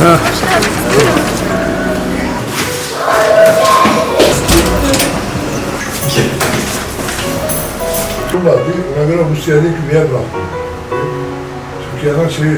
Ona göre bu siyahı küveye bıraktım. Türkiye'den şey...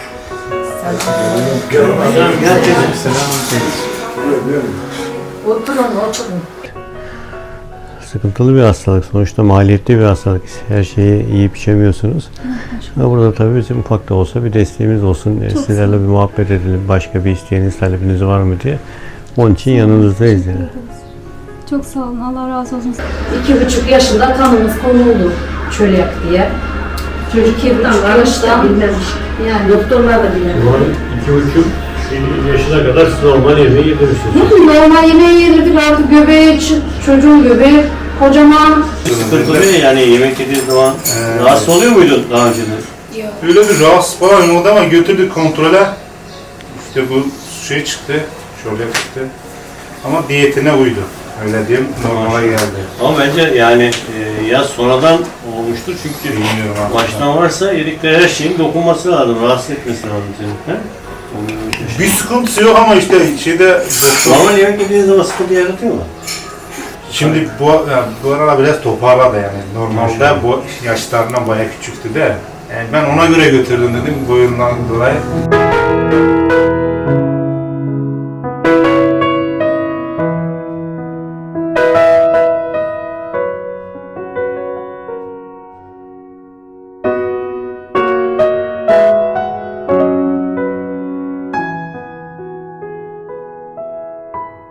Oturun. Sıkıntılı bir hastalık. Sonuçta maliyetli bir hastalık. Her şeyi yiyip içemiyorsunuz. Ama burada tabii bizim ufak da olsa bir desteğimiz olsun. Sizlerle bir muhabbet edelim. Başka bir isteğiniz, talebiniz var mı diye. Onun için yanınızdayız yani. Çok sağ olun. Allah razı olsun. 2,5 yaşında kanımız konuldu çölyak diye. Çocuk 2,5 yaşta bilmemiş. Yani doktorlar da bilmemiş. 2,5 yaşına kadar siz normal yemeği yedirirsiniz. Normal yemeği yedirdik artık göbeği, çocuğun göbeği kocaman. Sıkıntılı değil yani yemek yediği zaman rahatsız oluyor muydun daha önce de? Öyle bir rahatsız falan oldu ama götürdük kontrole. İşte bu şey çıktı, şöyle çıktı. Ama diyetine uydu. Öyle diyeyim, normale geldi. Ama bence yani ya sonradan olmuştur çünkü Bilmiyorum abi. baştan varsa yedikleri her şeyin dokunması lazım, rahatsız etmesi lazım seni. He? Bir sıkıntısı yok ama işte şeyde... Normal yemek yediğiniz zaman sıkıntı yaratıyor mu? Şimdi bu arada biraz toparladı yani. Normalde bu yaşlarından bayağı küçüktü de. Yani ben ona göre götürdüm dedim boyundan dolayı.